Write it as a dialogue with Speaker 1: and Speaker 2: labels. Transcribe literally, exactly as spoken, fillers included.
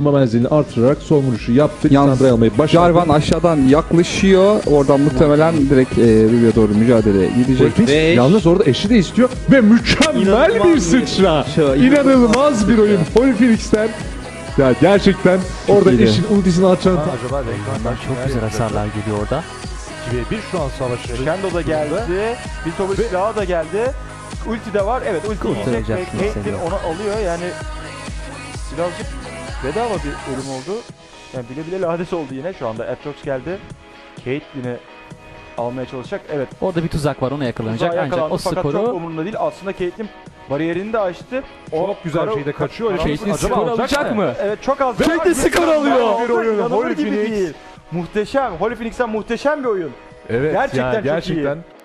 Speaker 1: savunma menzilini artırarak son vuruşu yaptı.
Speaker 2: Yalnız
Speaker 1: Lissandra'yı almayı başardı.
Speaker 2: Jarvan aşağıdan yaklaşıyor. Oradan muhtemelen direkt e, Ruby'ye doğru mücadele gidecek.
Speaker 1: Ve yalnız orada eşi de istiyor ve mükemmel
Speaker 3: İnanılmaz
Speaker 1: bir
Speaker 3: bir
Speaker 1: sıçra.
Speaker 3: şey,
Speaker 1: İnanılmaz bir oyun Holy Phoenix'ten. Ya gerçekten orada
Speaker 2: iyiydi.
Speaker 1: eşin ultisini atacağını
Speaker 4: Acaba Renkman'dan
Speaker 5: Çok güzel hasarlar geliyor orada.
Speaker 4: iki ve bir şu an savaşı.
Speaker 3: Crescendo da geldi. Biltobu silahı da geldi. Ulti de var. Evet ulti yiyecek ve
Speaker 5: Kurtaracaksın
Speaker 3: Caitlyn
Speaker 5: seni.
Speaker 3: onu alıyor. Yani birazcık bedava bir ölüm oldu. Yani bile bile lades oldu yine. Şu anda Atrox geldi. Caitlyn'i almaya çalışacak. Evet.
Speaker 5: Orada bir tuzak var, ona yakalanacak
Speaker 3: Tuzağa
Speaker 5: ancak
Speaker 3: yakalandı
Speaker 5: o
Speaker 3: fakat çok
Speaker 5: skoru
Speaker 3: umurunda değil. Aslında Caitlyn bariyerini de açtı.
Speaker 4: Çok güzel
Speaker 3: kara-
Speaker 4: şeyde kaçıyor. Öyle
Speaker 3: Caitlyn
Speaker 4: şey
Speaker 5: skor
Speaker 4: acaba
Speaker 5: alacak
Speaker 4: alacak mı?
Speaker 5: mı?
Speaker 3: Evet çok az.
Speaker 4: Caitlyn skor alıyor.
Speaker 3: Bir
Speaker 4: Bir oyun,
Speaker 3: oyun.
Speaker 4: Holy
Speaker 3: gibi
Speaker 4: Phoenix.
Speaker 3: değil. Muhteşem. Holy Phoenix'ten muhteşem bir oyun.
Speaker 4: Evet
Speaker 3: Gerçekten
Speaker 4: yani
Speaker 3: çok iyi.
Speaker 4: gerçekten